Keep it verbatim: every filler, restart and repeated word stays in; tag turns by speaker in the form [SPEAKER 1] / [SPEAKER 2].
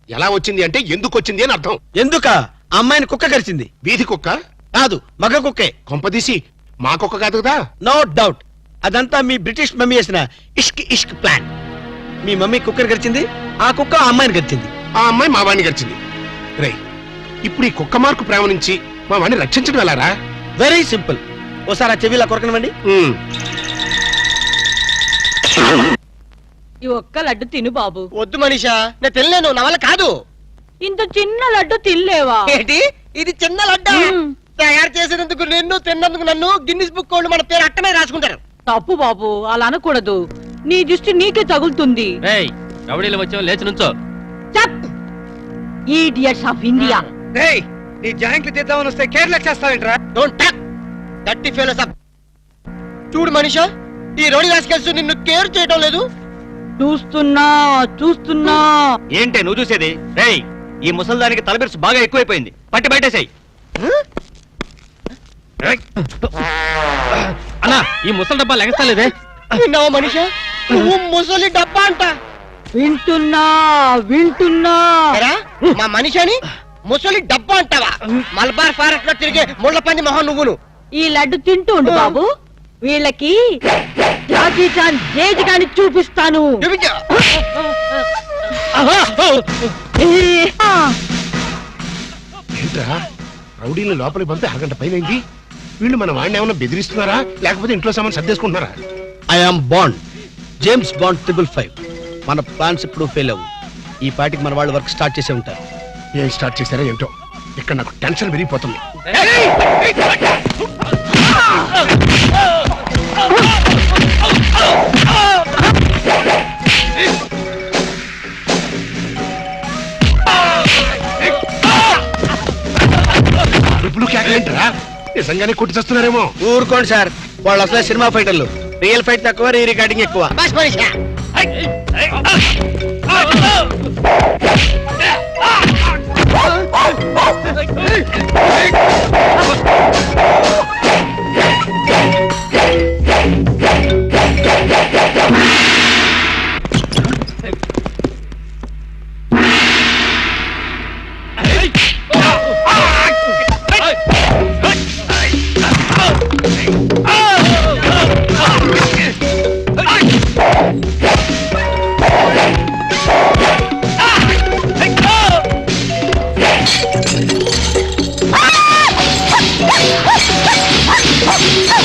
[SPEAKER 1] ఎలా వచ్చింది అంటే ఎందుకు వచ్చింది అని అర్థం.
[SPEAKER 2] ఎందుక అమ్మాయిని కుక్క కరిచింది.
[SPEAKER 1] వీధి కుక్క
[SPEAKER 2] కాదు, మగ కుక్కే.
[SPEAKER 1] కొంపదీసి మా కుక్క కాదు కదా?
[SPEAKER 2] నో డౌట్, అదంతా మీ బ్రిటిష్ మమ్మీ వేసిన ఇష్క్ ఇష్క్ ప్లాన్. మీ మమ్మీ కుక్కర్ గడిచింది, ఆ కుక్క ఆ అమ్మాయిని గడిచింది.
[SPEAKER 1] ఆ అమ్మాయి మా వాడిని గడిచింది. రై, ఇప్పుడు ఈ కుక్క మార్కు ప్రేమ నుంచి మా వాడిని రక్షించడం ఎలారా?
[SPEAKER 2] Very simple. ఓసారి ఆ చెవిలా కొరకనివ్వండి.
[SPEAKER 3] ఈ ఒక్క లడ్డు తిను బాబు.
[SPEAKER 4] వద్దు మనీషా, నేను తినలేను, నా వల్ల కాదు.
[SPEAKER 3] ఇంత చిన్న లడ్డు తినలేవా?
[SPEAKER 4] ఏంటి ఇది చిన్న లడ్డా? తయారు చేసినందుకు నిన్ను, తిన్నందుకు నన్ను గిన్నిస్ బుక్ వాళ్ళు మన పేరు అట్టమే రాసుకుంటారు.
[SPEAKER 3] తప్పు బాబు, అలా అనకూడదు. నీ దృష్టి నీకే తగులుతుంది.
[SPEAKER 5] రౌడీలు వచ్చావు, లేచి నుంచో.
[SPEAKER 3] Idiots of India.
[SPEAKER 2] నీ జాయింట్లు చేద్దామని వస్తే కేరళ చేస్తావేంట్రా?
[SPEAKER 4] డోంట్ టాక్ దట్టి ఫెలోస్ అప్. చూడు మనీషా, ఈ రోడి రాసుకెళ్తూ నిన్ను కేర్ చేయడం లేదు.
[SPEAKER 3] చూస్తున్నా చూస్తున్నా.
[SPEAKER 5] ఏంటే నువ్వు చూసేది? రేయ్, ఈ ముసల్దానికి తలబిరుసు బాగా ఎక్కువైపోయింది, పట్టి బయటేసాయి. అన్నా, ఈ ముసలి డబ్బా లెగస్తలేదే.
[SPEAKER 4] విన్నావా మనీషా, నువ్వు ముసలి డబ్బా అంట.
[SPEAKER 3] వింటున్నా వింటున్నా.
[SPEAKER 4] ఎరా, మా మనిషిని ముసలి డబ్బా అంటావా? మలబార్ ఫారెస్ట్ లో తిరిగే ముళ్ళ పంది మొహం నువ్వును.
[SPEAKER 3] ఈ లడ్డు తింటూ ఉండు బాబు, వీళ్ళకి జాకీ చాన్ జేజ్ గాని చూపిస్తాను.
[SPEAKER 4] చూపించు.
[SPEAKER 1] ఏంట్రా, రౌడీని లోపలికి పంపి అరగంట పైనైంది. వీళ్ళు మన వాడిని ఏమన్నా బెదిరిస్తున్నారా, లేకపోతే ఇంట్లో సామాన్ సర్దేసుకుంటున్నారా?
[SPEAKER 2] I'm Bond, James Bond triple five. మన ప్లాన్స్ ఇప్పుడు ఫెయిల్ అవ్వు. ఈ పార్టీకి మన వాళ్ళు వర్క్ స్టార్ట్ చేసే ఉంటారు.
[SPEAKER 1] ఏం స్టార్ట్ చేశారో ఏంటో, ఇక్కడ నాకు టెన్షన్ పెరిగిపోతుంది. అరుపులు కేకలేంటరా? నిజంగానే కొట్టి చేస్తున్నారేమో.
[SPEAKER 2] ఊరుకోండి సార్, వాళ్ళు అసలే సినిమా ఫైటర్లు. రియల్ ఫైట్ తక్కువ, రీ రికార్డింగ్ ఎక్కువ.
[SPEAKER 4] బస్ మనీషా.